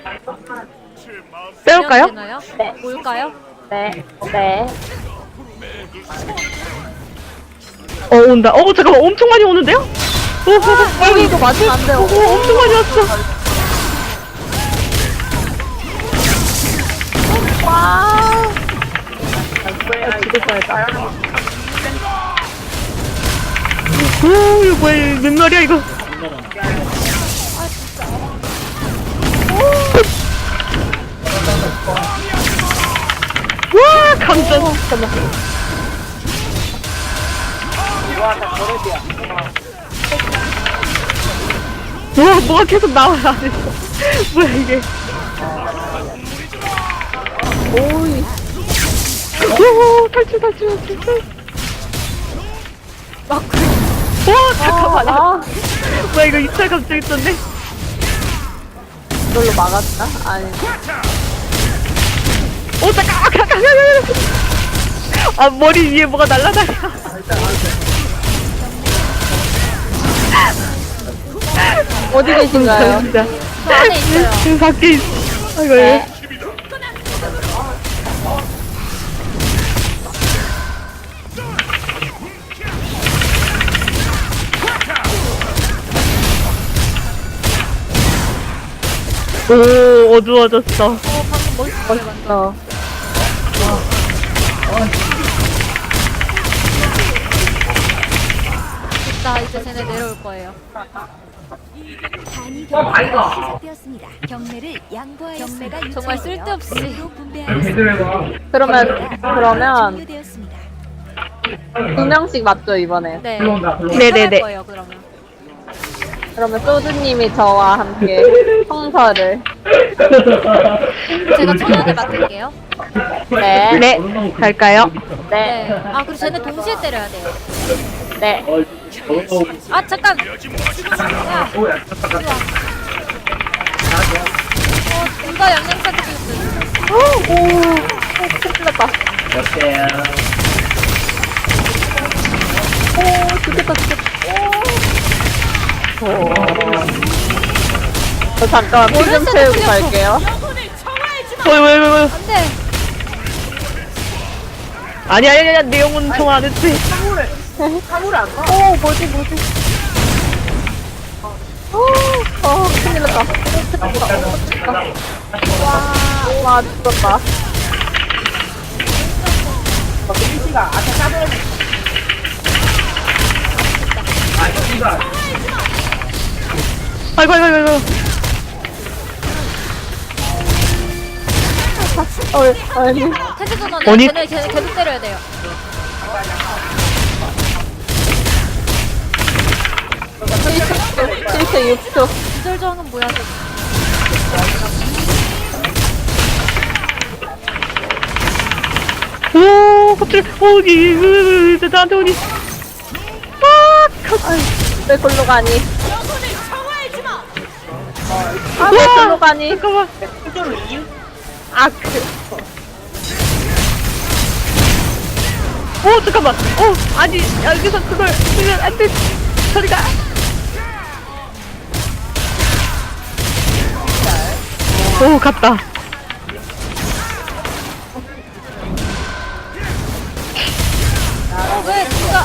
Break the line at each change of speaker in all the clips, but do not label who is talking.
빼올까요?
되나요?
네.
올까요?
네. 네.
온다. 잠깐만, 엄청 많이 오는데요?
여기 이거 맞으면 안 돼요.
엄청 많이 왔어.
와. 죽을 뻔했다.
이거 뭐야, 이거 몇 마리야, 이거. 와, 감전. 잠깐만. 와, 뭐가 계속 나와, 안에서. 뭐야, 이게.
오이.
오, 탈출. 와, 잠깐만. 뭐야, 이거 입찰 갑자기 떴네?
이걸로 막았나? 아니.
잠깐. 머리 위에 뭐가 날라다녀.
어디 계신가요?
진짜.
저 안에 있어요.
지금 밖에 있어. 아이고,
네.
오, 어두워졌어.
방금 멋있어요, 완전. 됐다, 이제 쟤네 내려올 거예요.
단위 경매가 시작되었습니다. 경매를 양보하였습니다. 경매가
정말 쓸데없이.
그러면
종료되었습니다.
2명씩 맞죠, 이번에?
네.
네네네.
거예요, 그러면.
그러면 소주님이 저와 함께 성서를.
제가 천연을 맡을게요.
네.
네, 갈까요?
네.
네.
아, 그리고 쟤네 동시에 때려야 돼요.
네.
아, 잠깐! 야, 이리 와. 둘 다 양양사한테 죽였어요.
큰일 났다. 죽겠다. 저 잠깐 피 좀 채우고 갈게요.
왜.
안 돼!
아니야, 내 영혼 정 안 했지.
뭐지? 큰일 났다. 와, 죽었다.
아이고.
아니.
태세 전원에
아니.
쟤네 계속 때려야 돼요.
실제 6초.
기절 저항은 뭐야?
갑자기, 나한테 오니.
왜 골로 가니? 왜 골로 가니?
잠깐만. 잠깐만. 아니, 여기서 그걸 쓰면 안 돼. 저리가. 갔다.
왜 누가?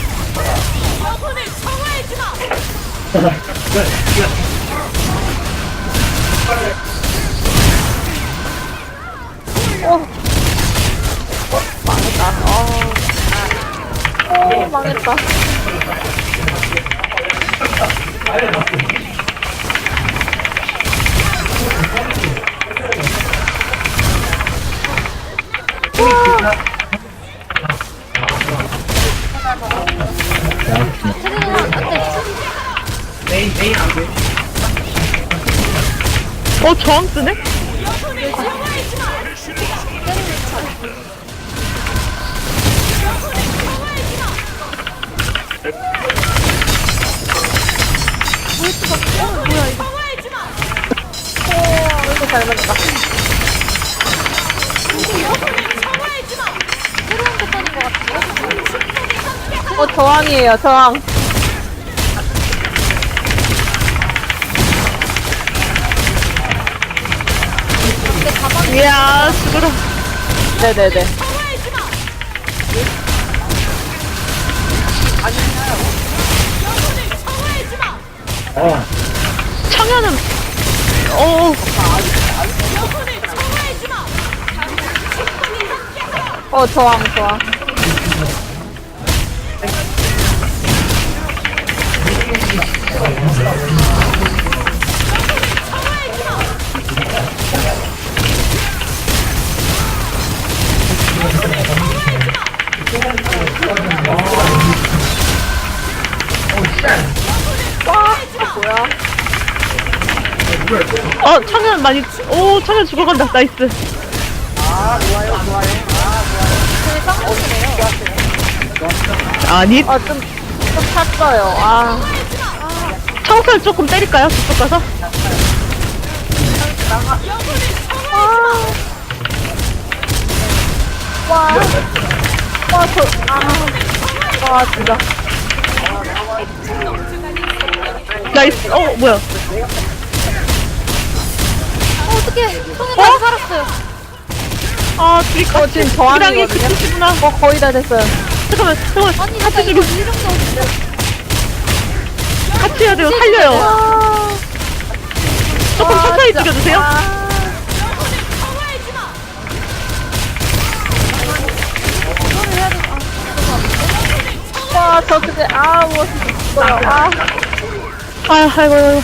망했다.
태세 전원 안 돼.
저항 쓰네?
이거 잘 맞다.
새로운 패턴인 것 같아요.
저항이에요, 저항.
이야, 죽어라.
네네네.
청년은, 어,
저항.
청년 많이, 오, 청년 죽어간다. 나이스.
저희 쌍둥이래요.
아니,
좀 탔어요.
청설 조금 때릴까요? 저쪽 가서?
진짜.
나이스. 뭐야.
어떡해. 성현 다시 살았어요.
둘이 같이,
지금
이랑이
저항이거든요?
그치구나.
거의 다 됐어요.
잠깐만.
아니, 내가
같이
이거
죽여.
이름도 없는데.
같이 해야 돼요. 살려요. 조금 천천히 죽여주세요.
이거를 해야 돼.
저 근데, 뭐, 죽어요.
아이고.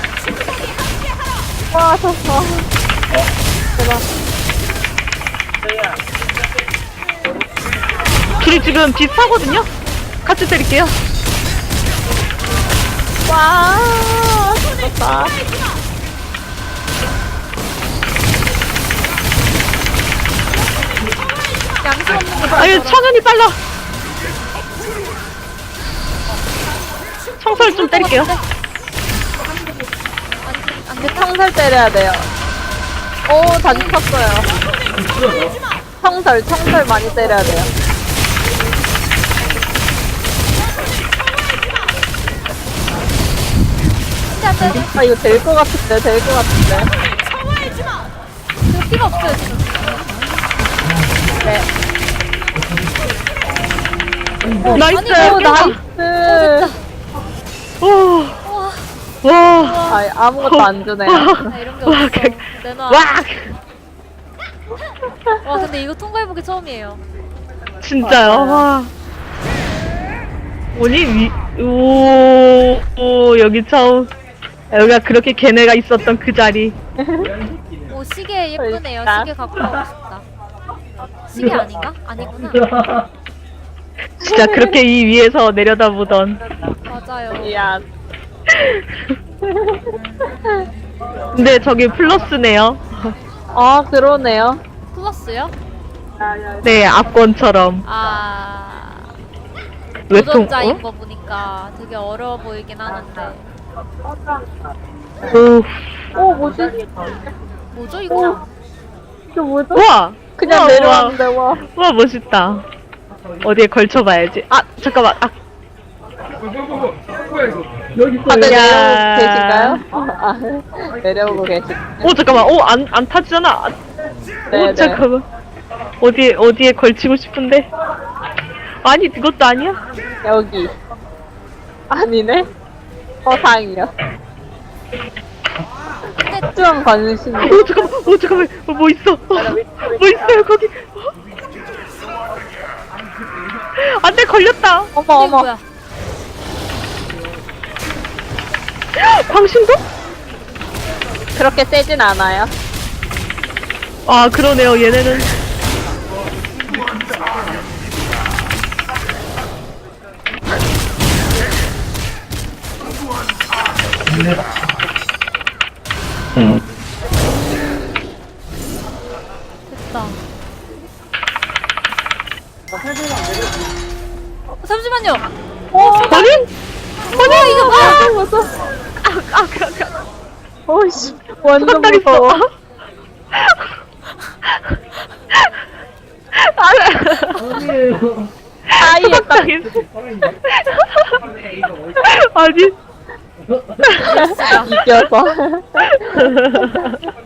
대박.
둘이 지금 비슷하거든요? 같이 때릴게요.
좋다.
양심 없는 거.
아유, 청년이 빨라. 청설 좀 때릴게요.
청설 때려야 돼요. 다시 쳤어요. 청설 많이 때려야 돼요. 이거 될 것 같은데.
이거 피가 없어요, 지금.
네.
나이스.
나이스.
오. 와.
아무것도 안 주네요.
이런 게 없어. 내놔.
와.
와, 근데 이거 통과해보기 처음이에요.
진짜요? 와. 오니 오, 여기 처음. 여기가 그렇게 걔네가 있었던 그 자리.
오, 시계 예쁘네요.
그러니까.
시계 갖고 가고 싶다. 시계 아닌가? 아니구나.
진짜 그렇게 이 위에서 내려다보던.
맞아요.
미안.
근데 저기 플러스네요.
그러네요.
플러스요?
네, 압권처럼. 외통,
도전자인 거 보니까 되게 어려워 보이긴 하는데.
뭐지?
뭐죠, 이거?
이거 뭐죠?
우와!
그냥
우와,
내려왔는데, 와.
우와, 멋있다. 어디에 걸쳐봐야지. 잠깐만.
다들
야.
내려오고 계신가요? 내려오고 계신.
잠깐만. 안 타지잖아.
네,
잠깐만. 어디에 걸치고 싶은데? 아니, 그것도 아니야?
여기. 아니네? 다행이야. 좀 관심.
잠깐만. 뭐 있어? 뭐 있어요, 거기? 안 돼, 걸렸다.
어머.
뭐야?
방심도?
그렇게 세진 않아요.
그러네요, 얘네는.
됐다. 잠시만요.
아니?
이거 뭐야?
무서워. 어이씨.
한
완전
달 있어.
무서워. 사이에 딱
아니.
이겨서.